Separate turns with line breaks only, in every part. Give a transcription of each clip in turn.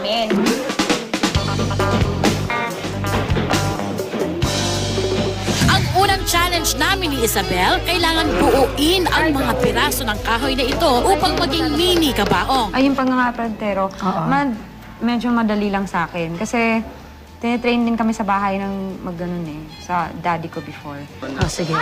namin.
Ang unang challenge namin ni Isabel, kailangan buuin ang mga piraso ng kahoy na ito upang maging mini kabaong.
Ay, yung pangangapantero, medyo madali lang sa akin. Kasi tinitrain din kami sa bahay ng magganon eh. Sa daddy ko before.
Oh, sige.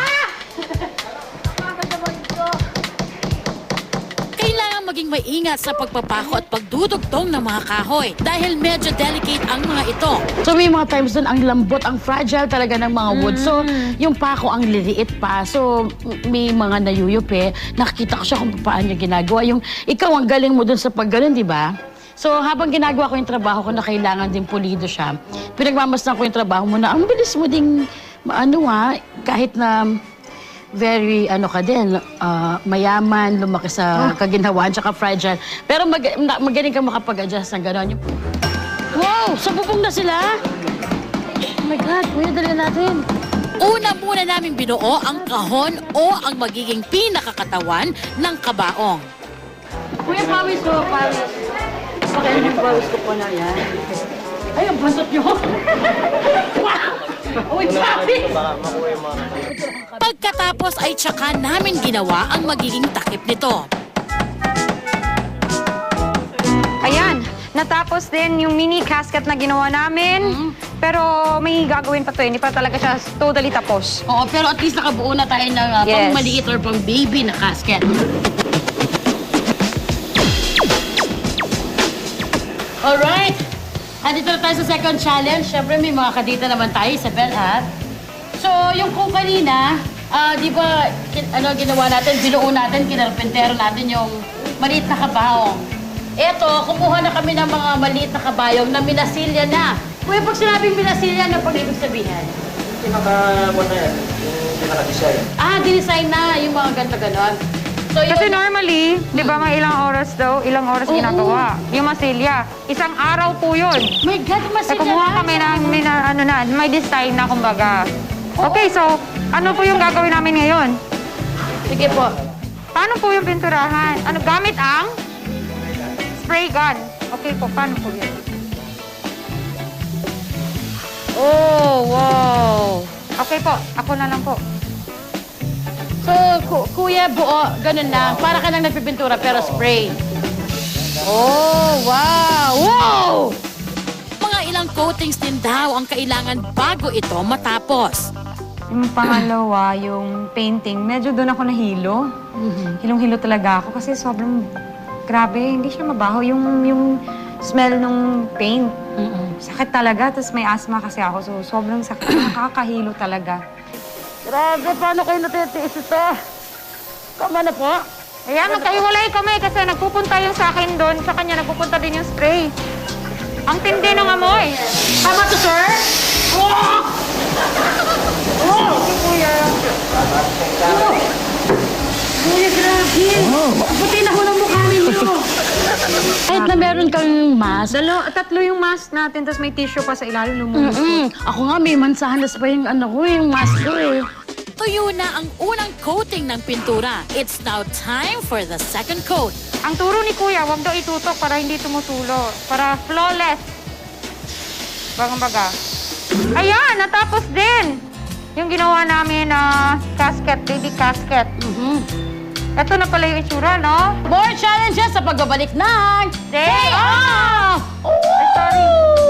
Kailangan maging maingat sa pagpapako at pagdudugtong ng mga kahoy dahil medyo delicate ang mga ito.
So may mga times doon ang lambot, ang fragile talaga ng mga wood. So yung pako ang liliit pa. So may mga nayuyupi. Nakikita ko siya kung paano niya ginagawa. Yung ikaw ang galing mo doon sa pagganon, di ba? So habang ginagawa ko yung trabaho ko na kailangan din pulido siya, pinagmamasdan ko yung trabaho mo na ang bilis mo ding kahit na very, ka din, mayaman, lumaki sa kaginhawaan, tsaka fragile. Pero magaling kang makapag-adjust ng gano'n. Wow! Sa bubong na sila? Oh my God, kuya, dali natin.
Una muna namin binuo ang kahon o ang magiging pinakakatawan ng kabaong.
Kuya, pawis ko, pawis. Pakain yung pawis ko po na yan. Ay, ang bantot nyo! Wow! Uy, pawis!
Pagkatapos ay tsaka namin ginawa ang magiging takip nito.
Ayan, natapos din yung mini casket na ginawa namin. Pero may gagawin pa to, hindi pa talaga siya totally tapos.
Oo, pero at least nakabuo na tayo ng
Yes.
pang maliit or pang baby na casket. Alright! Andito na tayo sa second challenge. Siyempre, may mga kadita naman tayo, Isabel, ha? So, yung kung kanina, di ba, ginawa natin, binuo natin, kinarpentero natin yung maliit na kabaong. Eto, kumuha na kami ng mga maliit na kabayong na minasilya na. Kuya, pag sinabing minasilya, ano pag ibig sabihin?
Pinaka-design.
Dinesign na yung mga ganito-ganon. So,
Kasi normally, di ba mga ilang oras daw, ilang oras
Oo.
ginagawa. Yung masilya, isang araw po yun.
my God,
Kaya
masilya
kumuha kami ng, may design na kumbaga. Okay, so, ano po yung gagawin namin ngayon?
Sige po.
Paano po yung pinturahan? Ano, gamit ang? Spray gun. Okay po, paano po yun? Oh, wow. Okay po, ako na lang po.
So, kuya, buo, ganun lang. Para ka lang nagpipintura, pero spray. Oh, wow! Wow!
Mga ilang coatings din daw ang kailangan bago ito matapos.
Yung pangalawa, yung painting, medyo doon ako nahilo. Hilong-hilo talaga ako kasi sobrang grabe, hindi siya mabaho. Yung smell ng paint, sakit talaga. Tapos may asthma kasi ako, so sobrang sakit. Nakakahilo talaga.
Grabe, paano kayo natitiis ito? Tama na po.
Ayan, magkahiwalay kami kasi nagpupunta yung sa akin doon, sa kanya nagpupunta din yung spray. Ang tindi ng amoy.
Tama to, sir? Oh! Oh!
Kuya.
Kuya, grabe! Puti na ho ng mukha ninyo. Kahit na meron kang mask,
Tatlo yung mask natin, tapos may tissue pa sa ilalim, lumulus.
ako nga may mansahanas pa yung yung mask ko eh.
Tuyo na ang unang coating ng pintura. It's now time for the second coat.
Ang turo ni Kuya, huwag daw itutok para hindi tumutulo. Para flawless. Bagang-baga. Ayan, natapos din. Yung ginawa namin na casket, baby casket. Ito na pala yung itsura, no?
More challenges sa pagbabalik ng
Day off! Ay, sorry.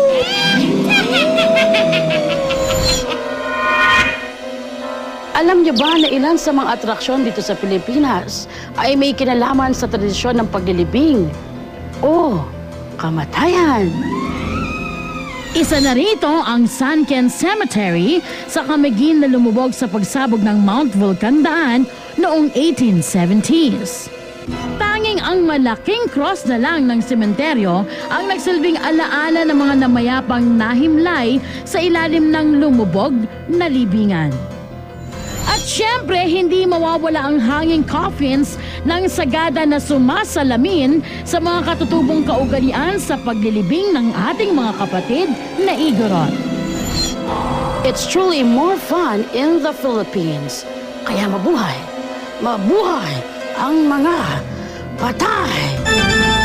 Alam niyo ba na ilan sa mga atraksyon dito sa Pilipinas ay may kinalaman sa tradisyon ng paglilibing o kamatayan?
Isa na rito ang San Ken Cemetery sa Camiguin na lumubog sa pagsabog ng Mount Vulcan noong 1870s. Tanging ang malaking cross na lang ng sementeryo ang nagsilbing alaala ng mga namayapang nahimlay sa ilalim ng lumubog na libingan. At syempre, hindi mawawala ang hanging coffins ng sagada na sumasalamin sa mga katutubong kaugalian sa paglilibing ng ating mga kapatid na Igorot.
It's truly more fun in the Philippines. Kaya mabuhay, mabuhay ang mga patay!